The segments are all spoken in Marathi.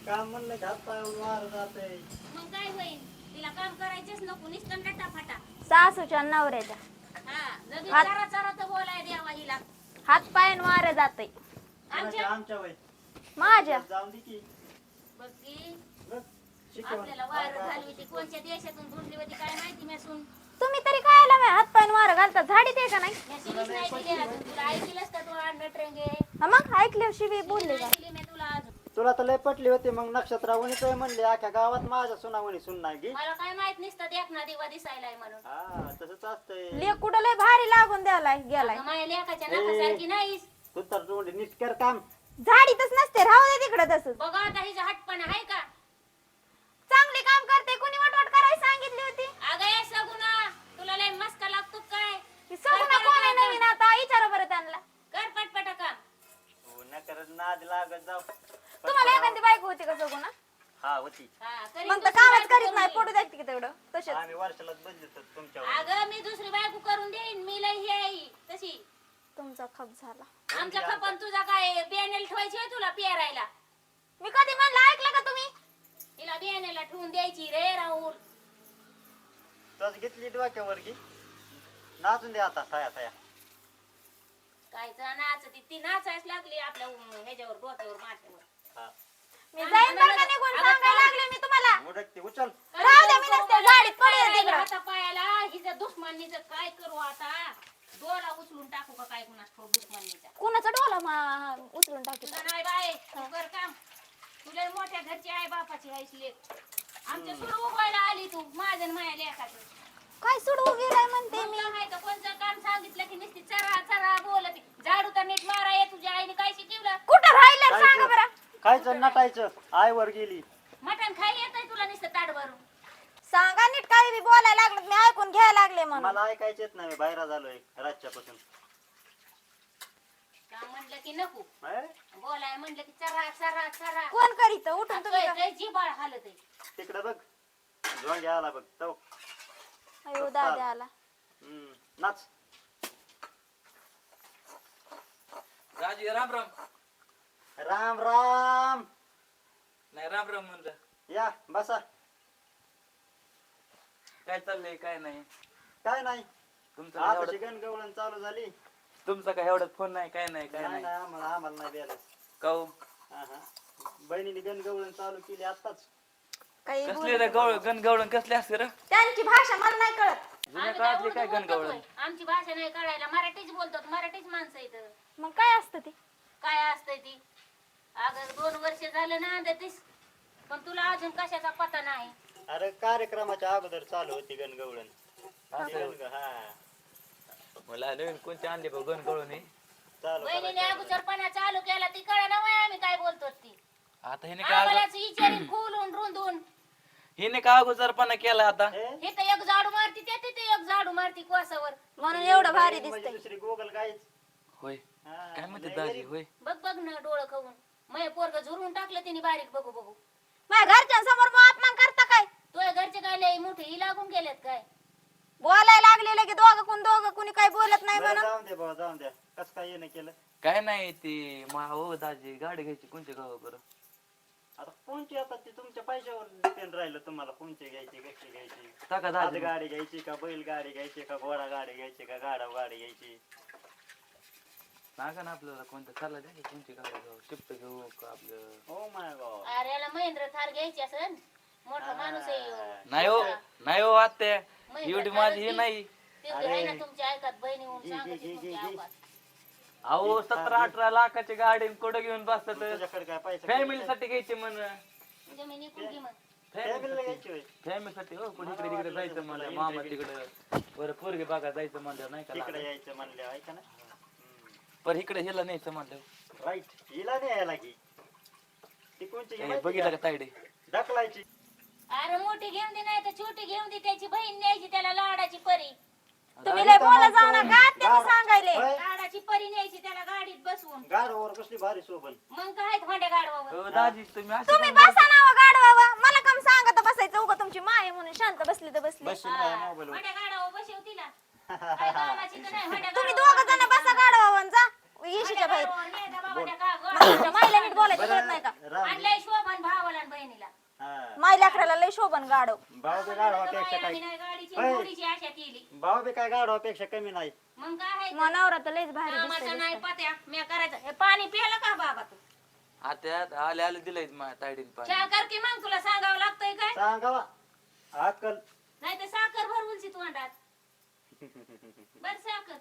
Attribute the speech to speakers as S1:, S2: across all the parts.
S1: काम म्हणलं की हात पाय वार जाते.
S2: मग काय होईल? तिला काम करायचंच नको, नुसतं नटाफाटा.
S3: सासूच्या आणि नवऱ्याच्या
S2: हा, लगेच
S3: हात-
S2: जरा जरा तर बोलाय द्यावा हिला.
S3: हात पाय वारे जाते
S2: आमच्या
S1: आमच्या वय
S3: माझ्या.
S1: जाऊन दे की
S2: बघ की,
S1: बघ, शिकवण.
S2: आपल्याला वायर घालवी ती कोणत्या देशातून धुंडली होती काय माहिती मेसून.
S3: तुम्ही तरी काय हात पाय वारे घालता, झाडी ते का नाही?
S2: मेशीनच नाही दिली अजून. तुला ऐकलंस का तू नटरंगे?
S3: हा मग ऐकल्या शिवी बोलले का?
S2: नाही दिली मी तुला अजून.
S1: तुला तर लय पटली होती मग नक्षत्रावणी काय म्हणले अख्या गावात माझ्या सुनावणी सुन नाही गी.
S2: मला काय माहित नसतं देखना दिवा दिसायलाय म्हणून.
S1: हा तसंच असतंय.
S3: लेक कुठं लय भारी लागून द्यालाय गेलाय.
S2: अगं माझ्या लेकाच्या नाकासारखी नाहीस.
S1: तू तर तोंड नीट कर काम.
S3: झाडीतच नसते, राहू दे तिकडे तसंच.
S2: बघा आता हिचा हटपणा आहे का?
S3: चांगली काम करते, कुणी वाटवाट करायला सांगितली होती?
S2: अगं ये सगुना, तुला लय मस्का लागतो काय?
S3: की सगळं कोण आहे नवीन आता विचारा बरं त्यांना.
S2: कर पटपटा काम.
S1: हो न करत नाद लागत जाऊ.
S3: तुम्हाला एखादी बायको होती का सगुना?
S1: हा होती.
S2: हा, करीन
S3: मग तर
S2: दुसरी
S3: कामच
S2: बायको
S3: करीत
S2: करून
S3: नाही,
S2: देईन.
S3: पडू द्या की तेवढं तसेच.
S1: आम्ही वर्षालाच बदलतो तुमच्या
S2: अगं मी दुसरी बायको करून देईन. मी लय ही आहे तशी.
S3: तुमचा खप झाला.
S2: आमच्या खपन तुझा काय बियाणेला ठेवायची होय तुला पेरायला?
S3: मी कधी म्हणलं ऐकलं का तुम्ही?
S2: तिला बियाणेला ठेवून द्यायची रे राहुल.
S1: तस घेतली डोक्यावर की नाचून दे आता साया साया.
S2: काय नाच ती नाचायच लागली आपल्या ह्याच्यावर डोक्यावर माथ्यावर.
S1: हा
S3: मी जाईन बरं का निघून, सांगायला लागले मी तुम्हाला.
S1: मुडकते उचल.
S3: राहू द्या, मी नसते गाडीत पडले तिकडं.
S2: आता पायाला हिचं दुश्मनीचं काय करू आता? डोला उचलून टाकू का काय कुणास ठाऊक दुश्मनीचा?
S3: कुणाचा डोला उचलून टाकी.
S2: तुझं नाही बाय, तू कर काम. तुला मोठ्या घरची आई बापाची हायस लेक. आमच्या सुरू उभवायला आली तू माझं आणि माझ्या लेकाचं.
S3: काय सोडू गेलाय म्हणते
S2: मग
S3: मी.
S2: काय माहित कोणतं काम सांगितलं की नुसती चरा चरा बोलत. झाडू तर नीट मारा ये. तुझ्या आईने काय शिकवलं?
S3: कुठं राहिलं सांगा बरं.
S1: खायचं नटायचं आईवर गेली.
S2: मटण खायला येतंय तुला नुसतं ताट भरून.
S3: सांगा नीट, काही बी बोलायला लागलं मी ऐकून घ्यायला लागले म्हणून.
S1: मला ऐकायचं येत नाही, बाहेर झालोय रातच्यापासून.
S2: काम म्हणलं की नको,
S1: अय,
S2: बोलाय म्हणलं की चरा चरा चरा.
S3: कोण करीत उठून तुम्ही का?
S2: लय जिबाळ हालत आहे.
S1: तिकडे बघ झोंगे आला बघ तो.
S3: अयो दादा आला.
S1: नाच.
S4: राजी राम राम.
S1: राम राम.
S4: नाही राम राम म्हणलं.
S1: या बसा.
S4: काय चाललंय काय नाही.
S1: काय नाही
S4: तुमचं काय
S1: आता
S4: एवढं-
S1: चिकन गवळण चालू झाली.
S4: तुमचा काय एवढा फोन नाही काय नाही काय
S1: नाही
S4: नाही.
S1: नाही, आम्हाला नाही द्यायला.
S4: काऊ
S1: बहिणीने गणगवळण चालू केली आताच.
S3: काही
S4: कसले रे गवळ गणगवळण कसले असते रे?
S3: त्यांची भाषा मला नाही कळत.
S4: जुन्या
S2: आम्ही
S4: काळातली काय
S2: उर्दू बोलतो
S4: गणगवळण?
S2: होय. आमची भाषा नाही कळायला. मराठीच बोलतात. मराठीच माणसं इथं.
S3: मग काय असतं ते?
S2: काय असतंय ती? अगं 2 वर्ष झालं ना देतीस, पण तुला अजून कशाचा पता नाही.
S1: अरे कार्यक्रमाच्या अगोदर चालू होती गणगवळण.
S4: असं.
S1: हा
S4: मला नवीन कोणती आणली बघ गणगवळण हे?
S1: चालू
S2: बहिणीने
S1: करायचं.
S2: अगोदरपणा चालू केला ती कळा ना आम्ही काय बोलतो ती.
S4: आता हिने काय
S2: आम्हालाच विचारीन खोलून रुंदून.
S4: हिने का अगोदरपणा केला आता?
S1: हे?
S2: हे तर एक झाडू मारती त्या तिथे एक झाडू मारती कोसावर.
S3: म्हणून एवढं भारी
S1: म्हणजे
S3: दिसतंय.
S1: दुसरी गोगल गायच.
S4: होय
S1: हा,
S4: काय म्हणते
S1: लय
S4: दाजी
S1: गरीब.
S4: होय?
S2: बघ बघ ना डोळं खाऊन. मग पोरग झुरून टाकलं तिने बारीक बघू बघू.
S3: माझ्या घरच्यांसमोर मग अपमान करता काय?
S2: तुझ्या घरचे काय लय मोठे ही लागून गेलेत काय?
S3: बोलायला लागलेलं की दोघं कुणी काही बोलत नाही
S1: बरं,
S3: म्हणून.
S1: जाऊन दे बाबा जाऊन द्या. कस काय येणं केलं.
S4: काय नाही ते हो दाजी गाडी घ्यायची कोणच्या गावा बरं?
S1: आता कोणची आता ते तुमच्या पैशावर डिपेंड राहिलं तुम्हाला कोणची घ्यायची कशी घ्यायची.
S4: टाका
S1: हात
S4: दाजी.
S1: गाडी घ्यायची का बैल गाडी घ्यायची का घोडा गाडी घ्यायची का गाडा गाडी घ्यायची.
S4: सांगा ना आपल्याला कोणतं चालला द्या की कोणची गाडी घेऊ शिफ्ट घेऊ का आपलं?
S1: Oh my god.
S2: अरे याला महेंद्र थार घ्यायची असेल. मोठा माणूस आहे ह्यो.
S4: नाही हो नाही हो आत्या
S2: महेंद्र
S4: एवढी
S2: थारच
S4: माझी हे
S2: घे.
S4: नाही.
S2: तेवढी आहे ना तुमच्या ऐकात बहिणी होऊन
S1: घे,
S2: सांगते
S1: घे, घे,
S2: तुमच्या
S1: घे.
S2: अवकात.
S4: अहो 17-18 लाखाची गाडी कुठं घेऊन बसतात?
S1: तुझ्याकडे काय पैसा
S4: फॅमिलीसाठी घ्यायची म्हण.
S2: जमिनी कुंकी मग.
S1: फॅमिलीला घ्यायची होय.
S4: फॅमिलीसाठी हो पण इकडे तिकडे जायचं म्हणलं मामा तिकडे बरं पोरगे बघा जायचं म्हणलं नाही का
S1: तिकडे
S4: लागत.
S1: यायचं म्हणलं ऐका ना.
S4: पर इकडे हिला न्यायचं म्हणलं
S1: राईट हिला नाही यायला की ती कोणची
S4: हे बघितलं का तायडे?
S1: ढकलायची.
S2: अरे मोठी घेऊन दे नाही तर छोटी घेऊन दे. त्याची बहीण न्यायची त्याला लाडाची परी.
S3: तुम्ही लय बोला जाऊ नका, त्यांनी सांगायले.
S1: होय.
S2: लाडाची परी न्यायची त्याला गाडीत बसवून.
S1: गाडवावर कसली भारी शोभन.
S2: मग काय भांड्या गाडवावर.
S4: हो दाजी तुम्ही असं
S3: तुम्ही
S4: काय
S3: बसा ना गाडवावा. मला काम सांगत बसायचं उगा तुमची माय म्हणून शांत बसली तर बसली.
S1: बसशील माझ्या मोबाईलवर.
S2: भांड्या गाडवावर बसव तिला. काय कामाची तर नाही भांड्या
S3: तुम्ही
S2: गाडवावर.
S3: दोघं जण बसा गाडवावा आणि जा येशीच्या
S2: भांड्या
S3: बाहेर.
S2: गाडवावर नाही का बाबा त्या का-
S3: तुमच्या माईला नीट बोलायचं कळत नाही का?
S1: राम
S2: आणलंय शोभन भावाला
S3: लेकराला लय शोभन गाडव.
S1: भाऊ बी गाढवापेक्षा काय
S2: आम्ही नाही गाडीची
S1: होय.
S2: घोडीची आशा केली.
S1: भाऊ बी काय गाढवापेक्षा कमी नाही.
S2: मग काय आहे?
S3: मग नवरा तर लयच भारी
S2: कामाचा
S3: दिसतोय.
S2: नाही पत्या मी करायचं. हे पाणी प्यायला का बाबा तू?
S4: आता आले आले दिलंय माझ्या ताईडीन पाणी.
S2: चहा कर की मग तुला सांगावं लागतंय काय?
S1: सांगावा अक्कल.
S2: नाही तर साखर भरवूनची तोंडात. बर साखर.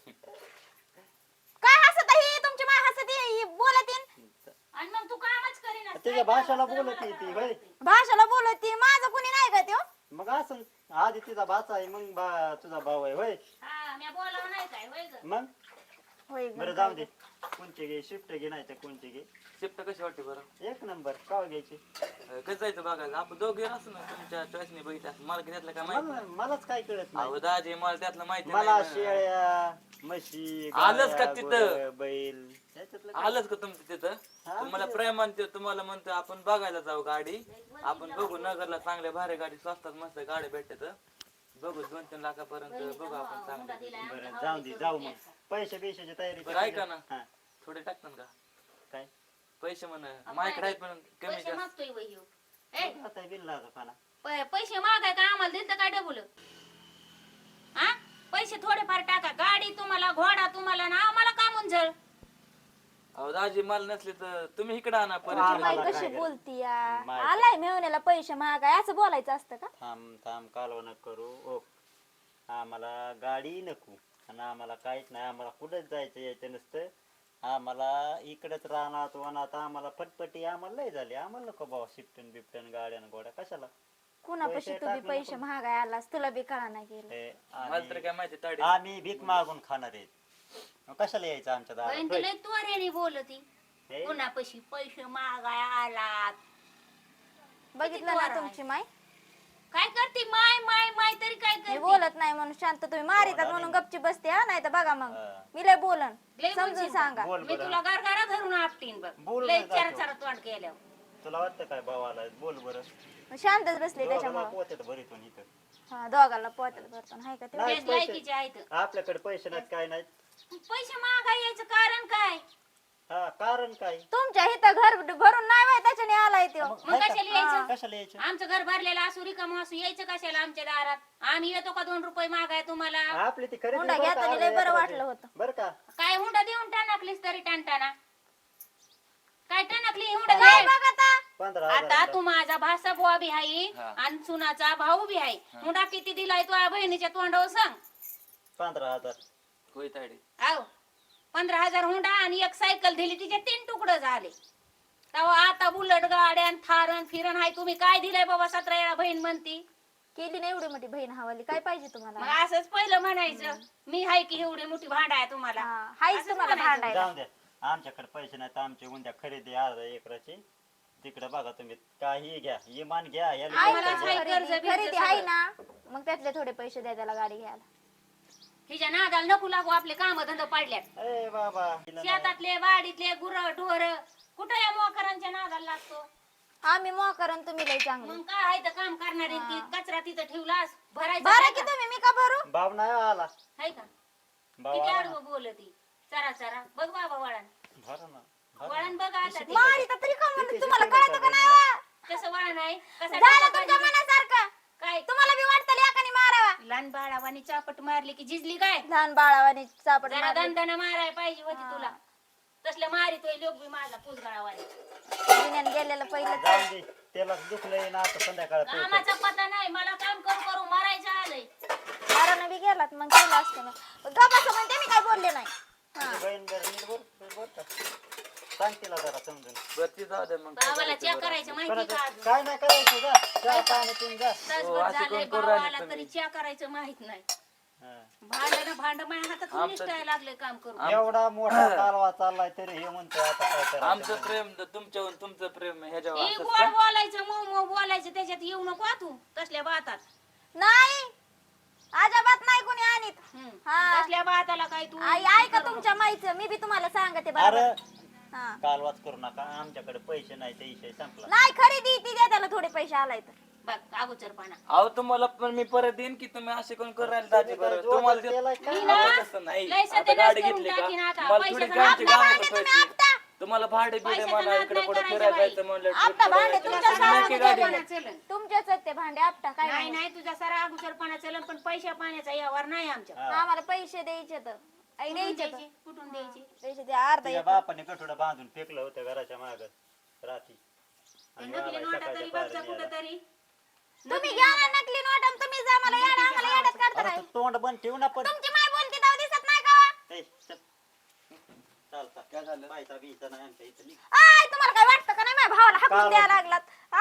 S3: काय हसत ही तुमची माय हसत ही बोलत येईन.
S2: आणि मग तू कामच करीना.
S1: तिच्या भाषेला बोलत आहे ती होय.
S3: भाषेला बोलत ती माझं कुणी नाही का त्यो.
S1: मग असं आधी तिचा भाचा आहे मग तुझा भाऊ आहे होय.
S2: हा मी बोलावं नाही काय होय ग?
S1: मग
S3: होय
S1: बरं जाऊ दे. कोणचे घे शिफ्ट घे नाही तर कोणचे घे.
S4: शिफ्ट कशी वाटते बरं?
S1: एक नंबर का घ्यायची.
S4: कसं जायचं बघायला आपण दोघे असं ना तुमच्या चॉईसने बघितलं असं. मला त्यातलं काय माहिती नाही.
S1: मलाच काय कळत नाही.
S4: अहो दाजी मला त्यातलं माहिती
S1: मला
S4: नाही ना.
S1: शेळ्या म्हशी
S4: आलंच का
S1: गाया,
S4: तिथं?
S1: गुरं, बैल त्याच्यातलं काय?
S4: आलंच का तुमचं तिथं?
S1: हा,
S4: तुम्हाला प्रेमान ते तुम्हाला म्हणतो आपण बघायला जाऊ गाडी. आपण बघू नगरला चांगल्या भारी गाडी स्वस्तात मस्त गाडी भेटत. बघू 2-3 लाखापर्यंत बघू आपण चांगलं.
S1: बरं जाऊ दे जाऊ मग. पैसे बिशाची तयारी
S4: बरं ऐका ना.
S1: हा,
S4: थोडे टाकतात का
S1: काय
S4: पैसे म्हण माझ्याकडे आहेत पण कमी
S2: पैसे
S4: जास्त.
S2: मागतोय वय ह्यो. ए
S1: आता बिल लागला पाना.
S2: पैसे मागाय का आम्हाला दिलं तर काय डबल? हा पैसे थोडेफार टाका. गाडी तुम्हाला घोडा तुम्हाला ना आम्हाला का मुंझळ?
S4: अहो दाजी मला नसले तर तुम्ही इकडे आणा
S3: तुमची
S4: परत.
S3: माई
S1: मला
S3: कशी
S1: काय
S3: बोलती या.
S1: माय-
S3: आलाय मेवण्याला पैसे मागाय असं बोलायचं असतं का?
S1: थांब थांब कालवा न करू. ओ आम्हाला गाडी नको आणि आम्हाला काहीच नाही. आम्हाला कुठंच जायचं यायचं नसतं. आम्हाला इकडंच राहणार वनात आम्हाला फटफटी आम्हाला लय झाली. आम्हाला नको बाबा शिफ्टन बिफ्टन गाड्या न गोड्या कशाला.
S3: कुणापाशी
S1: पैसे
S3: तू बी
S1: टाकू
S3: पैसे
S1: नको.
S3: महागाय आलास तुला बी कळा नाही गेलं.
S1: हे
S4: मला तर काय माहिती ताडी.
S1: आम्ही भीक मागून खाणार आहेत. मग कशाला यायचं आमच्या दारात
S2: बहीण
S1: होय?
S2: तुला त्वरेने बोलती.
S1: हे?
S2: कुणापाशी पैसे मागाय आलात?
S3: बघितलं ना तुमची माय.
S2: काय करते माय माय माय तरी काय
S3: मी
S2: करते?
S3: बोलत नाही म्हणून शांत तुम्ही मारितात म्हणून गपची बसते हा. नाही तर बघा मग
S1: हा.
S3: मी लय बोलन
S2: लय
S3: समजून
S2: बोलशील.
S3: सांगा.
S1: बोल
S2: मी
S1: बरं.
S2: तुला गारगारा धरून आपटीन बघ.
S1: बोल
S2: लय
S1: बरं
S2: चार
S1: जातो.
S2: चार तोंड केल्यावर.
S1: तुला वाटतं काय भावाला बोल बरं.
S3: शांतच बसले
S1: दोघांना
S3: त्याच्यामुळे.
S1: पोत्यात भरीतून इथं.
S3: हा दोघाला पोहतात भरतो हाय का ते.
S1: नाही,
S2: तेच
S1: पैसे-
S2: लायकीचे आहेत.
S1: आपल्याकडे पैसे नाहीत काय नाहीत.
S2: पैसे मागाय यायचं कारण काय?
S1: हा कारण काय.
S3: तुमच्या इथं घर भरून नाही व्हाय त्याच्याने आलाय तो.
S2: मग
S1: हाय का?
S2: कशाला यायचं?
S1: कशाला यायचं.
S2: आमचं घर भरलेलं असू रिकाम असू यायचं कशाला आमच्या दारात? आम्ही येतो का 2 रुपये मागाय तुम्हाला?
S1: आपली ती खरेदी
S3: हुंडा
S1: बरं का,
S3: घेताना लय
S1: अर्ध्या
S3: बरं
S1: एकराची.
S3: वाटलं होतं.
S1: बरं का.
S2: काय हुंडा देऊन टाकलीस तरी टाणटाना? काय टाकली हुंडा
S3: काय
S2: काय?
S3: बघ आता
S1: 15,000
S2: आता तू माझा भासा बुवा बी आहे
S4: हा.
S2: आणि सुनाचा भाऊ बी आहे. हुंडा किती दिलाय तुझ्या बहिणीच्या तोंडावर सांग.
S1: 15,000.
S4: होय ताडी.
S2: आव 15,000 हुंडा आणि एक सायकल दिली तिचे 3 तुकडे झाले. तेव्हा आता बुलट गाड्यान थारण फिरण हाय. तुम्ही काय दिलंय बाबा? 17 वेळा बहीण म्हणती.
S3: केली नाही एवढी मोठी बहीण हवाली काय पाहिजे
S2: मग
S3: तुम्हाला.
S2: असंच पहिलं म्हणायचं मी हाय की एवढी मोठी भांडा आहे तुम्हाला.
S3: हा, हायच
S2: असंच
S3: तुम्हाला
S2: म्हणायचं.
S3: भांडायला.
S1: जाऊ द्या. आमच्याकडे पैसे नाहीत. आमची उद्या खरेदी अर्ध्या एकराची. तिकडे बघा तुम्ही काही घ्या इमान घ्या याला
S3: आहे
S2: आम्हाला
S3: ना,
S1: पैसे द्या.
S2: हाय कर्ज बिर्ज
S3: खरेदी आहे
S2: सगळं.
S3: ना मग त्यातले थोडे पैसे द्या त्याला गाडी घ्यायला.
S2: हिच्या नादाला नको लागू. आपले काम धंदा पाडल्यात.
S1: ए बाबा हिला नाही.
S2: शेतातले वाडीतले गुर ढोर कुठं या मोकरांच्या नादाला लागतो?
S3: आम्ही मोकरन तुम्ही लय चांगले.
S2: मग काय आहे तर काम करणारे ती कचरा तिथं ठेवलास भरायचा
S3: बरं
S2: काय
S3: की
S2: का?
S3: तुम्ही मी का भरू.
S1: भाव नाही आला.
S2: हाय का?
S1: भाव
S2: किती
S1: आला
S2: आडवं बोलती. चरा चरा बघ बाबा वळण
S1: भरा ना भरा.
S2: वळण बघ आता ते.
S3: मारी तर तरी का म्हणून
S1: किती
S3: तुम्हाला
S1: शिकवलं
S3: कळतं का
S1: का
S3: नाही वा?
S2: कसं वळण आहे कसं
S3: झालं
S2: डोकं
S3: तुमच्या
S2: पाहिजे?
S3: मनासारखं.
S2: काय
S3: तुम्हाला बी वाटतं लेकानी मारावा.
S2: लहान बाळावानी चापट मारली की झिजली काय?
S3: लहान बाळावानी चापट
S2: जरा
S3: मारली.
S2: दंडानं माराय पाहिजे होती तुला. तसलं मारितोय लोक बी माझा पुसगाळावानी.
S3: जुन्यानं गेलेलं पहिलं
S1: जाऊ दे त्याला दुखलंय ना आता संध्याकाळ
S2: कामाचा पता नाही. मला काम करू करू मारायचं आलंय.
S3: मारानं बी गेलात मग केलं असतं ना. गप्पा म्हणते मी काय बोलले नाही. हा.
S1: बहीण बरं नीट बोल का सांग तिला जरा समजून.
S4: बरं ती जाऊ दे मग.
S2: भावाला चेक करायचं माहिती का
S1: कोणाचं-
S2: अजून?
S1: काय नाही करायचं जा चहा पाणी पिऊन जा.
S2: तासभर
S4: अशी
S2: झालंय
S4: कोण करू
S2: भावाला
S4: राहिली
S2: तरी
S4: तुम्ही?
S2: चेक करायचं माहित नाही.
S1: हा.
S2: भांड माझ्या हातात
S4: आमचं-
S2: निष्ठाय लागले काम करू.
S1: एवढा मोठा कालवा चाललाय तरी हे म्हणतोय आता काय करायचं.
S4: आमचं प्रेम तुमच्यावर तुमचं प्रेम ह्याच्यावर
S2: हे
S4: असंच
S2: गोड
S4: का?
S2: बोलायचं मऊ मऊ बोलायचं त्याच्यात येऊ नको हा तू तसल्या बातात.
S3: नाही अजिबात नाही कोणी आणीत. हा.
S2: तसल्या बाताला काय तू
S3: आई ऐका तुमच्या माईचं मी बी तुम्हाला सांगते बरोबर.
S1: अरे
S3: हा.
S1: कालवाच करू नका आमच्याकडे पैसे नाही ते विषय संपला.
S3: नाही खरेदी ती द्या त्याला थोडे पैसे आलाय तर.
S2: बघ अगोचरपणा.
S4: अहो तुम्हाला पण मी परत देईन की तुम्ही असे कोण करू राहिले दाजी बरं
S1: जोर
S4: तुम्हाला
S1: केलाय का?
S2: मी ना
S4: आता तसं नाही
S2: लय
S4: आता
S2: सत्यानाश
S4: गाडी
S2: करून
S4: घेतली का
S2: टाकीन आता.
S4: मला
S2: पैशाचं
S4: थोडी गाडीची
S2: आपल्या
S4: गावं
S3: भांडे तुम्ही
S4: ठेवायची.
S3: आपटा.
S4: तुम्हाला भाडे बिडे
S2: पैशाचा
S4: मला
S2: नाद
S4: इकडे
S2: नाही
S4: कुठे
S2: करायचा
S4: फिरायला
S2: बाई.
S4: जायचं म्हणलं
S3: आपटा
S4: trip
S3: भांडे
S4: करायचं.
S3: तुमच्या
S4: नक्की
S3: सारखे
S4: गाडी
S3: भांडे.
S4: घेऊन.
S2: चलन
S3: तुमच्याच आहेत ते भांडे आपटा काय
S2: नाही
S3: नाही.
S2: नाही तुझा सारा अगोचरपणा चलन पण पैशा पाण्याचा यावर नाही आमच्या
S3: आम्हाला पैसे द्यायचे तर आई
S2: कुठून
S3: द्यायचे तर.
S2: द्यायचे कुठून द्यायचे
S3: पैसे द्या अर्धा
S1: तुझ्या
S3: एकर.
S1: बापाने कठोडा बांधून फेकलं होतं घराच्या माग रात्री
S2: ते
S1: आणि
S2: नकली
S1: मला
S2: नोटा
S1: सकाळच्या
S2: तरी बघचा
S1: पारी
S2: कुठं
S1: न्यायला.
S2: तरी
S3: तुम्ही घ्या ना नकली नोट आणि तुम्ही जा मला येडा आम्हाला येड्यात काढता
S1: अरे
S3: काय.
S1: तू तोंड बंद ठेवू ना पण
S3: तुमची माय बोलती तेव्हा दिसत नाही का?
S1: ए, चल. चालता
S4: काय झालं?
S1: पायचा बियचा नाही आमच्या इथं निघ.
S3: आय तुम्हाला काय वाटतं का नाही माझ्या भावाला हाकून
S1: काय
S3: द्यायला लागलात हा?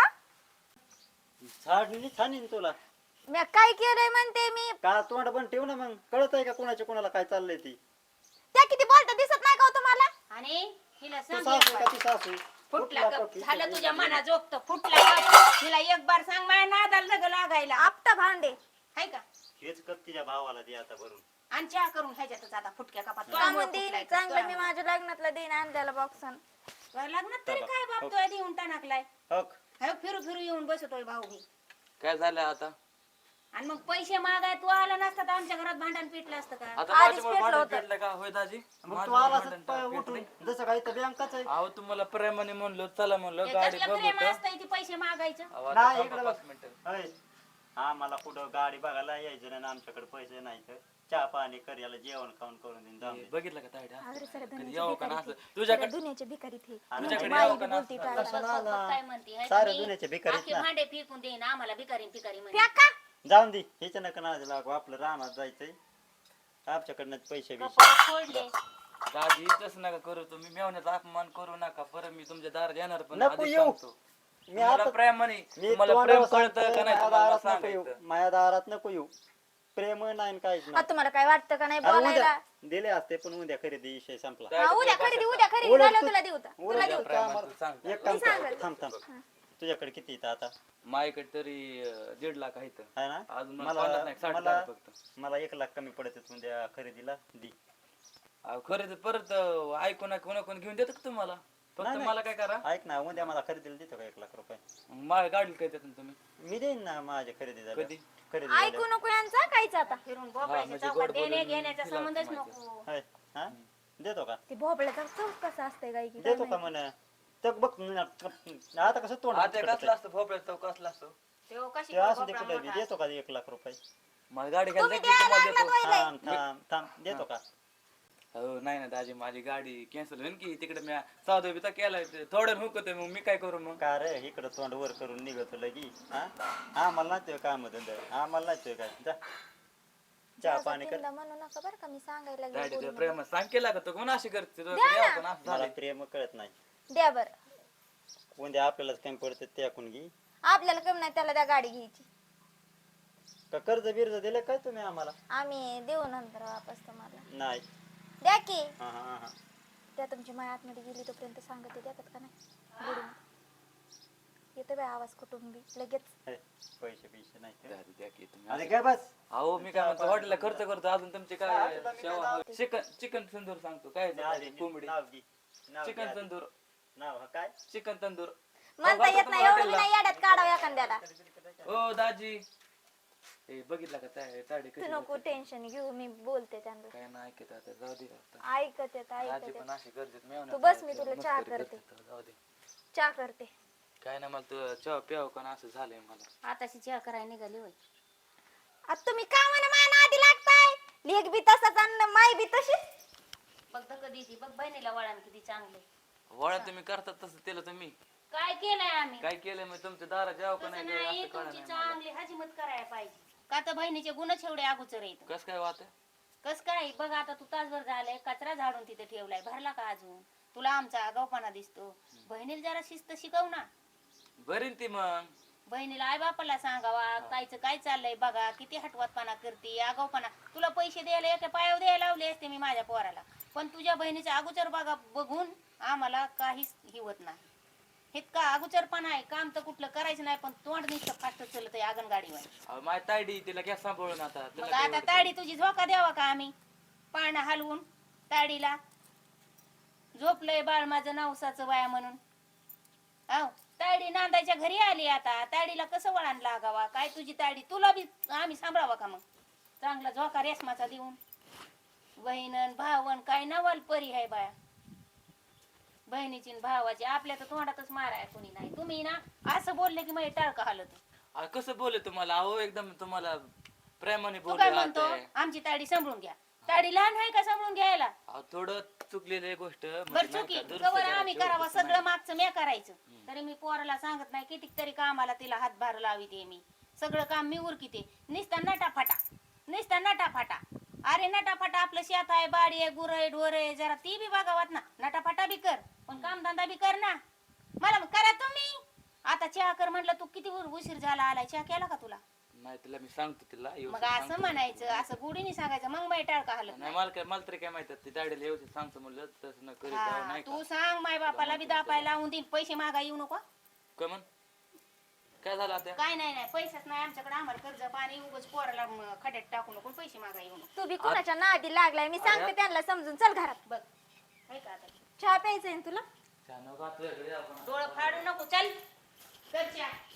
S1: झाडली छानीन तुला
S3: मी काय केलंय म्हणते मी.
S1: का तोंड बंद ठेवू ना मग कळत आहे का कोणाच्या कोणाला काय चाललंय ती
S3: त्या किती बोलता दिसत नाही का हो तुम्हाला?
S2: आणि हिला
S1: तू
S2: सांग
S1: सासू का ती सासू
S2: फुटला
S1: फुटला
S2: कप
S1: का
S2: झालं
S1: ती?
S2: तुझ्या मना जोगत फुटला कप हिला एक बार सांग माझ्या नादाला नग लागायला
S3: आपटा भांडे.
S2: हाय का
S1: हेच कप तिच्या भावाला दे आता भरून
S2: आणि चहा करून ह्याच्यातच आता फुटक्या कपात
S3: सांगून देईन चांगलं मी माझ्या लग्नातला देईन आणलेला बॉक्सन.
S2: लग्नात तरी काय बाप तो देऊन टाकलाय
S1: हक
S2: फिरू फिरू येऊन बसतोय भाऊ मी
S4: काय झालं आता
S2: आणि मग पैसे मागाय तू आला नसता तर आमच्या घरात भांडण पेटलं असतं का
S4: आता
S3: आधीच
S4: माझ्यामुळे
S3: पेटलं
S4: भांडण
S3: होतं.
S4: पेटलं का होय दाजी
S1: मग तू
S4: माझ्यामुळे
S1: आला
S4: भांडण
S1: पाय
S4: पेटलंय.
S1: उठून जसं काही तर बँकाच आहे
S4: अहो तुम्हाला प्रेमाने म्हणलो चला म्हणलो
S2: हे
S4: गाडी
S2: कसलं प्रेम
S4: बघतो
S2: असतं इथे पैसे मागायचं
S4: अहो, आता
S1: नाही,
S4: थांबा
S1: इकडे
S4: 5
S1: बघ.
S4: मिनिटं.
S1: होय आम्हाला कुठं गाडी बघायला यायचं नाही आणि आमच्याकडे पैसे नाही तर चहा पाणी कर याला जेवण खाऊन करून देईन जाऊन
S4: हे
S1: दे.
S4: बघितलं का तायडा
S3: अरे सर
S4: कधी
S3: दुनियाचे
S4: यावं का ना
S3: भिकारी
S4: असं
S3: ते.
S4: तुझ्याकडे
S3: सगळ्या दुनियाचे भिकारी ते.
S1: आणि
S3: तुमची
S4: तुझ्याकडे
S3: माई
S4: यावं
S3: बी
S4: का ना
S3: बोलती
S4: असं?
S3: टाळा.
S1: कशाला आला?
S2: काय म्हणते हाय
S1: सारे
S2: तुम्ही?
S1: दुनियाचे भिकारीच
S2: आखे
S1: ना.
S2: भांडे फेकून देईन आम्हाला भिकारी भिकारी म्हणे
S3: फेका.
S1: जाऊन दे ह्याच्या नका नादी लागू आपलं रानात जायचंय आमच्याकडनं पैसे बिशे
S2: कपाळ फोडले
S4: दाजी तसं नका करू तुम्ही मेवण्याचा अपमान करू नका परत मी तुमच्या दारात येणार पण
S1: नको
S4: आधीच
S1: येऊ.
S4: सांगतो.
S1: मी
S4: मला
S1: आता
S4: प्रेमाने
S1: मी
S4: तुम्हाला
S1: तोंडावर
S4: प्रेम
S1: सांगतोय,
S4: कळतं का नाही
S1: माझ्या
S4: तुम्हाला
S1: दारात नको येऊ
S4: सांगायचं
S1: माझ्या दारात नको येऊ प्रेम नाही काहीच
S3: आ,
S1: नाही
S3: तुम्हाला काय वाटतं का नाही
S1: अरे उद्या
S3: बोलायला?
S1: दिले असते पण उद्या खरेदी विषय संपला
S4: काय
S3: हा, उद्या
S4: ते
S3: खरेदी
S4: बघा
S3: उद्या खरेदी
S1: उलट
S3: झालं
S1: तू-
S3: तुला देऊ का? तुला
S1: उलट
S3: देऊ
S1: तू
S3: का?
S1: काय
S4: प्रेमात
S1: मला-
S4: तू सांग.
S1: एक काम
S3: मी
S1: कर
S3: सांगेल.
S1: थांब तुझ्याकडे किती येतं आता
S4: माझ्याकडे तरी 1.5 लाख आहे
S1: आहे ना
S4: अजून मला पन्नास नाही, 60,000 फक्त.
S1: मला 1 लाख कमी पडत उद्या खरेदीला दी
S4: अहो, खरं तर परत ऐकून कोण घेऊन देतं का तुम्हाला फक्त
S1: नाही,
S4: मला काय करा
S1: ऐक ना उद्या मला खरेदीला देतो का 1 लाख रुपये
S4: माझ्या गाडीला काय देतात तुम्ही
S1: मी देईन ना माझ्या खरेदी झाली
S4: कधी?
S1: खरेदी
S3: ऐकू
S1: झाल्यावर.
S3: नको यांचा काहीच आता.
S2: फिरून
S4: हा,
S2: बोकायचं
S4: म्हणजे
S2: चौकात
S4: गोड
S2: देणे
S4: बोलून
S2: घेण्याचा
S4: तिला
S2: संबंधच
S4: माहिती.
S2: नको
S1: होय हा देतो का
S3: ते भोपळ्याचा चौक कसा असते काय की
S1: देतो का म्हण तर बघ आता कसं तोंड
S4: आता कसला असतो भोपळ्या चौक कसला असतो
S2: तेव्हा कशी
S1: ते असू दे
S2: भोपळा
S1: कुठे बी
S2: मोठा
S1: देतो का 1 लाख रुपये
S4: मला गाडी घ्यायला
S3: तुम्ही
S4: जायची, तुम्हाला
S3: द्यायला
S4: देतो
S3: लागला
S1: थांब थांब थांब देतो का
S4: हो नाही ना दाजी माझी गाडी कॅन्सल होईल की तिकडे मी सौदा बिता केलाय थोडं हुकतोय मग मी काय करू मग
S1: का रे इकडं तोंड वर करून निघतो लगी हा आम्हाला नाही काम धंदा आम्हाला नाही काय जा चहा पाणी कर
S3: तिला म्हणू नका बरं का मी सांगायला लागले
S4: दाडी
S3: बोलू
S4: तुला
S3: नका.
S4: प्रेम सांग केला का तो कोण अशी करते तो
S3: द्या
S4: यावं
S3: ना.
S4: का ना असं
S1: मला
S4: झालंय.
S1: प्रेम कळत नाही
S3: द्या बरं
S1: उद्या आपल्यालाच कमी पडते ते ऐकून घे
S3: आपल्याला कमी नाही त्याला त्या गाडी घ्यायची
S1: का कर्ज बिर्ज दिले काय तुम्ही आम्हाला
S3: आम्ही देऊ नंतर वापस तुम्हाला
S1: नाही
S3: द्या की
S1: हा हा हा
S3: त्या तुमची माय आतमध्ये गेली तोपर्यंत सांगते देतात का नाही बुडून येतो बाय आवाज कुटुंबी लगेच
S1: हे, पैसे पैसे नाही ते.
S4: दादी द्या की तुम्ही
S1: अरे काय बस
S4: अहो मी काय म्हणतो हॉटेलला खर्च करतो अजून तुमचे काय सेवा चिकन तंदूर सांगतो काय
S1: आधी
S4: कोंबडी
S1: नाव घे नाव घे
S4: चिकन
S1: आधी.
S4: तंदूर
S1: नाव हा काय
S4: चिकन तंदूर
S3: म्हणता येत नाही एवढं मी नाही याड्यात काढावं एखाद्याला.
S4: ओ दाजी ए बघितला का ताडी
S3: तू
S4: कशी
S3: नको
S4: बोलते?
S3: टेन्शन घेऊ मी बोलते त्यांना
S4: काय नाही ऐकत आता जाऊ दे आता.
S3: ऐकत येत
S4: दाजी
S3: ऐकत
S4: पण
S3: येत
S4: अशी गरजेत मेवण्यात
S3: तू बस, मी
S4: राहायचं,
S3: तुला चहा
S4: मस्करी
S3: करते.
S4: करते, जाऊ दे
S3: चहा करते.
S4: काय नाही मला तू चहा प्याव का ना असं झालंय मला
S2: आताशी चहा करायला निघाली होय
S3: आता तुम्ही का म्हणा मान आधी लागताय लेख बी तसाच आणि माय बी तशीच.
S2: बघ तर कधी ती बघ बहिणीला वळण किती चांगले
S4: वळा तुम्ही करतात तसं केलं तुम्ही
S2: काय केलंय आम्ही
S4: काय केलं मी तुमच्या दारात जाव का
S2: तसं
S4: नाही
S2: नाही
S4: असं कळलं
S2: तुमची
S4: नाही मला.
S2: चांगली हजिमत करायला पाहिजे का तर बहिणीचे गुणच एवढे अगोचर येत
S4: कस काय वाट
S2: कस काय बघ आता तू तासभर झालाय कचरा झाडून तिथे ठेवलाय भरला का अजून तुला आमचा आगाऊपणा दिसतो बहिणीला जरा शिस्त शिकव ना
S4: बरीन ती मग
S2: बहिणीला आई बापाला सांगावा कायचं काय चाललंय बघा किती हटवतपणा करते आगाऊपणा तुला पैसे द्यायला एका पायावर द्यायला लावले असते मी माझ्या पोराला पण तुझ्या बहिणीचा अगोचर बघा बघून आम्हाला काहीच हिवत नाही इतका अगोचरपणा आहे काम तर कुठलं करायचं नाही पण तोंड नुसतं फास्ट चालत आहे आंगणगाडीवर
S4: माझी तायडी तिला घ्या सांभाळून आता तिला
S2: मग
S4: काय
S2: आता
S4: एवढं-
S2: ताडी तुझी झोका द्यावा का आम्ही पाळणा हलवून ताडीला झोपलंय बाळ माझं नवसाचं वाया म्हणून आव ताडी नांदायच्या घरी आली आता ताडीला कसं वळण लागावा काय तुझी ताडी तुला बी आम्ही सांभाळावा का मग चांगला झोका रेशमाचा देऊन बहिणन भावन काय नवाल परी आहे बाया बहिणीची आणि भावाची आपल्या तर तोंडातच माराय कोणी नाही. तुम्ही ना असं बोलले की मग टाळका हालत.
S4: कसं बोलले तुम्हाला? अहो एकदम तुम्हाला प्रेमाने
S2: तू काय
S4: बोलले
S2: म्हणतो
S4: आते.
S2: आमची ताडी सांभाळून घ्या. ताडी लहान आहे का सांभाळून घ्यायला?
S4: थोडं चुकलेली गोष्ट
S2: बर
S4: म्हणजे नाही
S2: चुकी
S4: का, दुरुस्त
S2: कवर
S4: करायची,
S2: आम्ही करावा
S4: तसं
S2: सगळं
S4: नाही.
S2: मागचं मी करायचं. तरी मी पोराला सांगत नाही किती तरी कामाला तिला हातभार लाविते मी. सगळं काम मी उरकिते. नुसता नटाफाटा नुसता नटाफाटा. अरे नटाफाटा आपलं शेत आहे, बाडी आहे, गुर आहे, ढोर आहे, जरा ती बी बघावात ना. नटाफाटा बी कर पण कामधंदा बी कर ना. मला मग करा तुम्ही. आता चहा कर म्हटलं तू किती उशीर झाला आलाय. चहा केला का तुला?
S4: नाही तिला मी सांगतो तिला
S2: मग
S4: व्यवस्थित
S2: असं
S4: सांगतो.
S2: म्हणायचं असं गुढीने सांगायचं मग बाई टाळका हलत
S4: नाही
S2: नाही.
S4: मला तरी काय माहिती ती दाढीला व्यवस्थित सांगतो म्हणलं तसं न करीत जाऊ
S2: हा,
S4: नाही का.
S2: तू सांग माय बापाला बी दापाय लावून देईन. पैसे मागा येऊ नको.
S4: काय म्हण काय झालं आता?
S2: काय नाही नाही पैसेच नाही आमच्याकडे. आम्हाला कर्ज पाणी उगाच पोराला खड्यात टाकू नको. पैसे मागा येऊ नको.
S3: तू बी कुणाच्या नादी लागलाय मी सांगते त्यांना समजून. चल घरात.
S2: बघ हाय का आता
S3: चहा प्यायचंय ना तुला?
S4: छान, नको आता घरी आपण.
S2: डोळं फाडू नको. चल कर चहा.